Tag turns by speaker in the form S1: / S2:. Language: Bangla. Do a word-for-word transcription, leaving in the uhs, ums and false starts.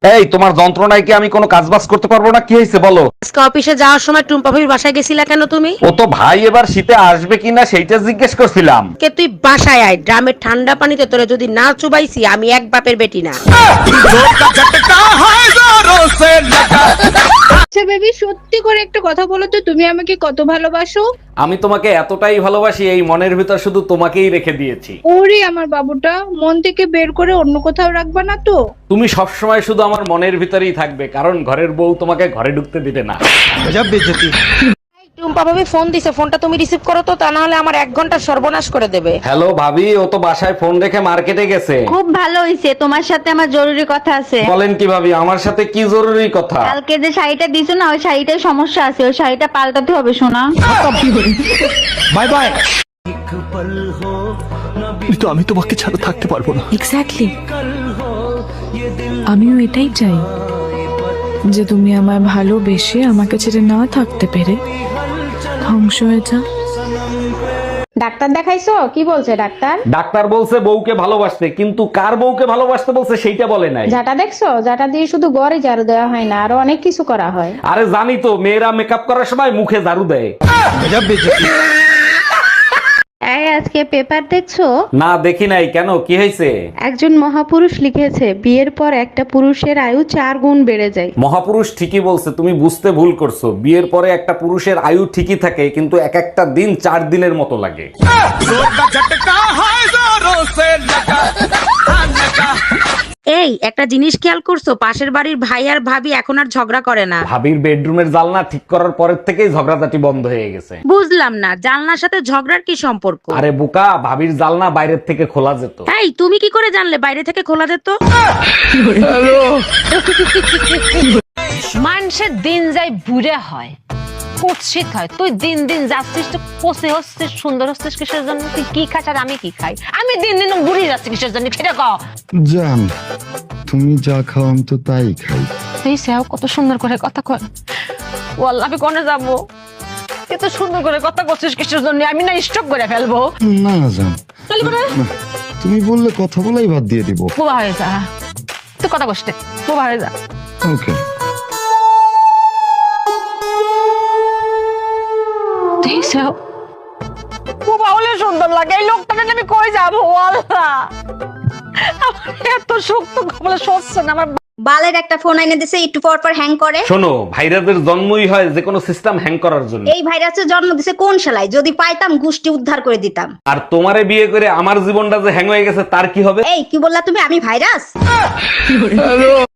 S1: এই তোমার যন্ত্রণায় কি আমি কোনো কাজ বাজ করতে পারবো না? কি হয়েছে বলো।
S2: আজকে অফিসে যাওয়ার সময় টুম্পা ভাবির বাসায় গেছিলা কেন তুমি?
S1: ও তো ভাই এবার শীতে আসবে কিনা সেইটা জিজ্ঞেস করছিলাম।
S2: কে তুই বাসায় আয়, ড্রামের ঠান্ডা পানিতে তোরে যদি না চুবাইছি আমি এক বাপের বেটি না।
S3: আচ্ছা বেবি, সত্যি করে একটা কথা বলো তো, তুমি আমাকে কত ভালোবাসো?
S1: আমি তোমাকে এতটাই ভালোবাসি এই মনের ভিতর শুধু তোমাকেই রেখে দিয়েছি।
S3: ওরে আমার বাবুটা, মন থেকে বের করে অন্য কোথাও রাখবা না তো?
S1: তুমি সবসময় শুধু আমার মনের ভিতরেই থাকবে, কারণ ঘরের বউ তোমাকে ঘরে ঢুকতে দিবে না।
S2: টুম্পা ভাবি ফোন দিছে, ফোনটা তুমি রিসিভ করো তো, তা না হলে আমার এক ঘন্টা সর্বনাশ করে দেবে।
S1: হ্যালো ভাবি, ও তো বাসায় ফোন রেখে মার্কেটে গেছে।
S4: খুব ভালো হইছে, তোমার সাথে আমার জরুরি কথা আছে।
S1: বলেন কি ভাবি, আমার সাথে কি জরুরি কথা?
S4: কালকে যে শাড়িটা দিছো না, ওই শাড়িটায় সমস্যা আছে, ওই শাড়িটা পাল্টাতে হবে সোনা।
S5: Bye bye. কিন্তু আমি তোমাকে ছাড়া থাকতে পারবো না।
S6: এক্স্যাক্টলি, আমিও এটাই চাই, যে তুমি আমায় ভালোবেসে আমাকে ছেড়ে না থাকতে পেরে ধ্বংস হয়ে যা।
S7: ডাক্তার দেখাইছো? কি বলছে ডাক্তার?
S1: ডাক্তার বলছে বউকে ভালোবাসতে, কিন্তু কার বউকে ভালোবাসতে বলছে সেইটা বলে নাই।
S7: যাটা দেখছো, যাটা দিয়ে শুধু গড়ে ঝাড়ু দেওয়া হয় না, আরো অনেক কিছু করা হয়।
S1: আরে জানি তো, মেয়েরা মেকআপ করার সময় মুখে ঝাড়ু দেয়।
S4: এই আজকে পেপার দেখছো?
S1: না দেখি নাই, কেন কি হয়েছে?
S4: একজন মহাপুরুষ লিখেছে বিয়ের পর একটা পুরুষের আয়ু চার গুণ বেড়ে যায়।
S1: মহাপুরুষ ঠিকই বলছে, তুমি বুঝতে ভুল করছো। বিয়ের পরে একটা পুরুষের আয়ু ঠিকই থাকে, কিন্তু এক একটা দিন চার দিনের মতো লাগে।
S2: এই একটা জিনিস খেয়াল করছো, পাশের বাড়ির ভাই আর ভাবি এখন আর ঝগড়া করে না।
S1: ভাবির বেডরুমের জানলা ঠিক করার পরের থেকেই ঝগড়াঝাটি বন্ধ হয়ে গেছে।
S2: বুঝলাম না, জানলার সাথে ঝগড়ার কি সম্পর্ক?
S1: আরে বোকা, ভাবির জানলা বাইরের থেকে খোলা যেত।
S2: এই তুমি কি করে জানলে বাইরে থেকে খোলা যেত?
S8: মানুষের দিন যাই বুড়ে হয়, কুৎসিত হয়। তুই দিন দিন যাচ্ছিস তো, কষে হচ্ছিস, সুন্দর হচ্ছিস কিসের জন্য? তুই কি খাস আর আমি কি খাই? আমি দিন দিন বুড়ি যাচ্ছি কিসের জন্য সেটা কও।
S9: জান, তুমি যা খাও আমি তো তাই খাই।
S8: তুই সেও কত সুন্দর করে কথা কয়। ও আল্লাহ, আমি কোনে যাবো? এত সুন্দর করে কথা করছিস কিসের জন্য? আমি না স্টক করে ফেলবো।
S9: না জান, তুমি বললে কথা বলাই বাদ দিয়ে দিব।
S8: বোবা হয়ে যা, তুই কথা কষ্ট বোবা হয়ে যা।
S9: ওকে।
S8: বোবা হলে সুন্দর লাগে। এই লোকটা আমি কই যাবো আল্লাহ? আমার এত শক্ত কপালে সচ্ছে না। আমার
S4: বালের একটা ফোন এনে দিছে, একটু পর পর হ্যাং করে।
S1: শোনো, ভাইরাসের জন্মই হয় যে কোনো সিস্টেম হ্যাং করার জন্য।
S4: এই ভাইরাসের জন্ম দিছে কোন শালায়? যদি পাইতাম গুষ্টি উদ্ধার করে দিতাম।
S1: আর তোমারে বিয়ে করে আমার জীবনটা যে হ্যাং হয়ে গেছে তার কি হবে?
S4: এই কি বললা তুমি? আমি ভাইরাস?